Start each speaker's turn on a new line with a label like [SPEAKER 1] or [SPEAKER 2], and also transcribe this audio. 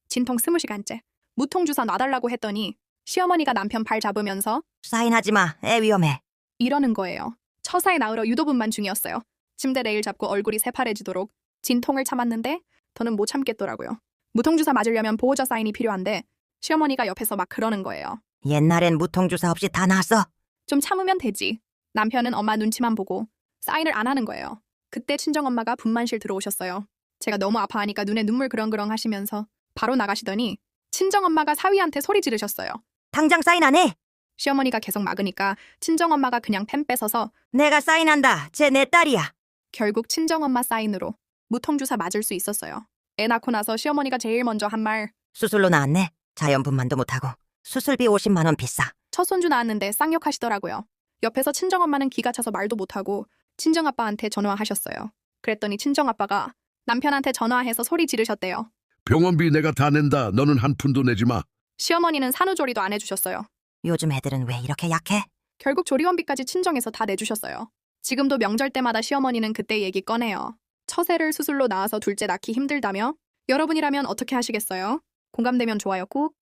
[SPEAKER 1] 진통 20시간째. 무통주사 놔달라고 했더니 시어머니가 남편 발 잡으면서
[SPEAKER 2] 사인하지 마. 애 위험해.
[SPEAKER 1] 이러는 거예요. 처사에 나으러 유도분만 중이었어요. 침대 레일 잡고 얼굴이 새파래지도록 진통을 참았는데 더는 못 참겠더라고요. 무통주사 맞으려면 보호자 사인이 필요한데 시어머니가 옆에서 막 그러는 거예요.
[SPEAKER 2] 옛날엔 무통주사 없이 다 나았어.
[SPEAKER 1] 좀 참으면 되지. 남편은 엄마 눈치만 보고 사인을 안 하는 거예요. 그때 친정엄마가 분만실 들어오셨어요. 제가 너무 아파하니까 눈에 눈물 그렁그렁 하시면서 바로 나가시더니 친정엄마가 사위한테 소리 지르셨어요.
[SPEAKER 2] 당장 사인 안 해.
[SPEAKER 1] 시어머니가 계속 막으니까 친정엄마가 그냥 펜 뺏어서
[SPEAKER 2] 내가 사인한다. 쟤 내 딸이야.
[SPEAKER 1] 결국 친정엄마 사인으로 무통주사 맞을 수 있었어요. 애 낳고 나서 시어머니가 제일 먼저 한 말,
[SPEAKER 2] 수술로 나았네. 자연분만도 못하고. 수술비 50만 원 비싸.
[SPEAKER 1] 첫 손주 낳았는데 쌍욕하시더라고요. 옆에서 친정엄마는 기가 차서 말도 못하고 친정아빠한테 전화하셨어요. 그랬더니 친정아빠가 남편한테 전화해서 소리 지르셨대요.
[SPEAKER 3] 병원비 내가 다 낸다. 너는 한 푼도 내지 마.
[SPEAKER 1] 시어머니는 산후조리도 안 해주셨어요.
[SPEAKER 2] 요즘 애들은 왜 이렇게 약해?
[SPEAKER 1] 결국 조리원비까지 친정에서 다 내주셨어요. 지금도 명절 때마다 시어머니는 그때 얘기 꺼내요. 처세를 수술로 낳아서 둘째 낳기 힘들다며? 여러분이라면 어떻게 하시겠어요? 공감되면 좋아요 꾹.